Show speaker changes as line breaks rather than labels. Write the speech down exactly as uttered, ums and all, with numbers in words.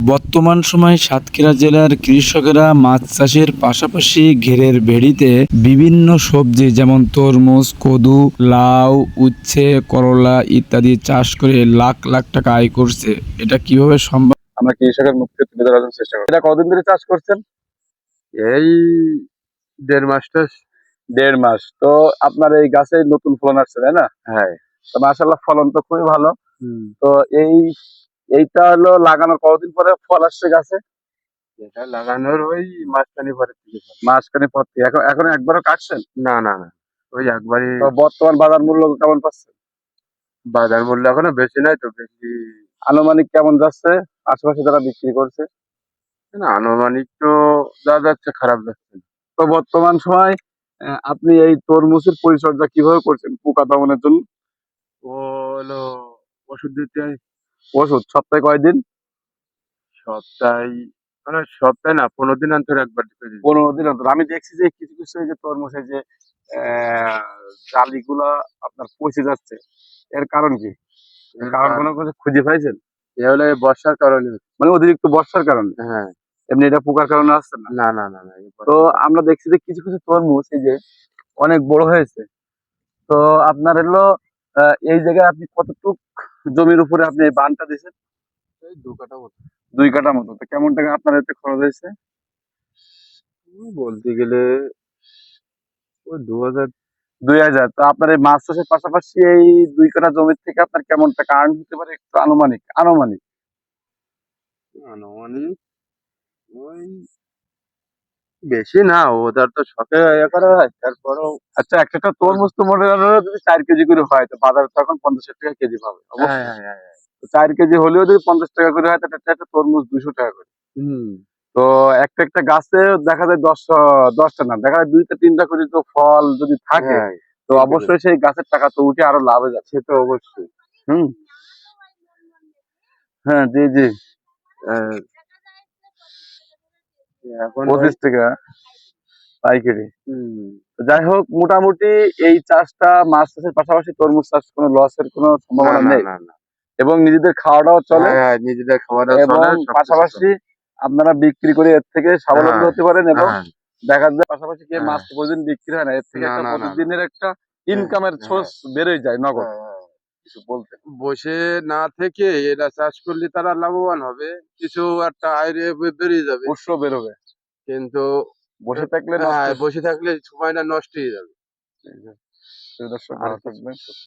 বর্তমান সময়ে সাতক্ষীরা জেলার কৃষকেরা মাছ চাষের পাশাপাশি ঘেরের ভেড়িতে বিভিন্ন সবজি যেমন তরমুজ, কদু, লাউ, উচ্ছে, করলা ইত্যাদি চাষ করে লাখ লাখ টাকা আয় করছে। এটা কিভাবে সম্ভব আমরা কৃষকের মুখ থেকে তুলে ধরার চেষ্টা করি। এটা কতদিন ধরে চাষ করছেন?
এই দেড় মাসটা।
দেড় মাস। তো আপনার এই গাছে নতুন ফলন আসছে, তাই না?
হ্যাঁ।
তো মাশাআল্লাহ ফলন তো খুবই ভালো।
হুম।
তো এই এইটা হলো লাগানোর কতদিন পরে ফল আসছে গাছে?
এটা লাগানোর ওই মাসখানেক পরে থেকে ফল।
মাঝখানে পর থেকে এখন এখন একবারও কাটছেন?
না না না ওই একবারই।
তো বর্তমান বাজার মূল্য কেমন পাচ্ছেন?
বাজার মূল্য এখনো বেশি নাই তো, বেশি
আনুমানিক কেমন যাচ্ছে আশেপাশে যারা বিক্রি করছে?
না, আনুমানিক তো যা যাচ্ছে খারাপ যাচ্ছে না।
তো বর্তমান সময় আহ, আপনি এই তরমুজের পরিচর্যা কিভাবে করছেন পোকা দমনের জন্য?
ও হলো ওষুধ দিতে হয়
ওষুধ সপ্তাহে কয়দিন?
সপ্তাহে, মানে সপ্তাহে না, পনেরো দিন অন্তর একবার দিতে দিই।
পনেরো দিন অন্তর। আমি দেখছি যে কিছু কিছু এই যে তরমুজের যে আহ জালিগুলা আপনার পচে যাচ্ছে, এর কারণ কি? এর কারণ কোনো কিছু খুঁজে পাইছেন?
এ হলো এই বর্ষার কারণে।
মানে অতিরিক্ত বর্ষার কারণে?
হ্যাঁ।
এমনি এটা পোকার কারণে আসছে না?
না না না না এই
তো
বর্ষার কারণে।
আমরা দেখছি যে কিছু কিছু তরমুজ এই যে অনেক বড় হয়েছে। তো আপনার হলো আহ, এই জায়গায় আপনি কতটুক জমির উপরে আপনি এই বানটা দিয়েছেন?
এই দু কাঠা মতো।
দুই কাঠা মতো। তো কেমন টাকা আপনার এতে খরচ হয়েছে?
উম, বলতে গেলে ওই দু হাজার।
দুই হাজার। তো আপনার এই মাছ চাষের পাশাপাশি এই দুই কাঠা জমির থেকে আপনার কেমন টাকা আর্ন হতে পারে একটু আনুমানিক আনুমানিক?
আনুমানিক ওই বেশি না, ওদের তো শখে ইয়ে করা হয়, তারপরেও।
আচ্ছা, একটা একটা তরমুজ তো মনে করেন যদি চার কেজি করে হয় তো বাজারে তো এখন পঞ্চাশ টাকা কেজি পাবে
হ্যাঁ
অবশ্যই।
হ্যাঁ হ্যাঁ হ্যাঁ।
তো চার কেজি হলেও যদি পঞ্চাশ টাকা করে হয় তাহলে একটা একটা তরমুজ দুইশো টাকা করে।
হুম।
তো একটা একটা গাছে দেখা যায় দশ দশটা না, দেখা যায় দুইটা তিনটা করে তো ফল যদি থাকে,
হ্যাঁ,
তো অবশ্যই সেই গাছের টাকা তো উঠে আরো লাভে যাচ্ছে।
সে তো অবশ্যই।
হুম। হ্যাঁ, জি জি।
আহ, এখন ওই।
পঁচিশ টাকা পাইকারি।
হুম।
তো যাই হোক, মোটামুটি এই চাষটা মাছ চাষের পাশাপাশি তরমুজ চাষ কোনো লসের কোনো
না
সম্ভাবনা
না
নেই
না না।
এবং নিজেদের খাওয়াটাও চলে
হ্যাঁ হ্যাঁ, নিজেদের খাওয়াটা
এবং
চলে, সবকিছু
পাশাপাশি
চলে।
আপনারা বিক্রি করে এর থেকে স্বাবলম্বী
হ্যাঁ
হতে পারেন এবং
হ্যাঁ
দেখা যায় পাশাপাশি কি মাছ
হ্যাঁ।
তো প্রতিদিন বিক্রি হয় না, এর থেকে
না
একটা
না না না।
প্রতিদিনের একটা
হ্যাঁ
ইনকামের
হ্যাঁ
সোর্স বেড়ে যায় নগদ।
হ্যাঁ হ্যাঁ।
কিছু বলতেন?
বসে না থেকে এরা চাষ করলে তারা লাভবান হবে, কিছু একটা আয় বে- বেরিয়ে যাবে।
উৎস বেরোবে।
কিন্তু
বসে
আহ,
থাকলে নষ্ট।
হ্যাঁ, বসে থাকলে সময়টা নষ্ট হয়ে যাবে।
এই যে, প্রিয় দর্শক
আর
ভালো
কিছু
থাকবেন।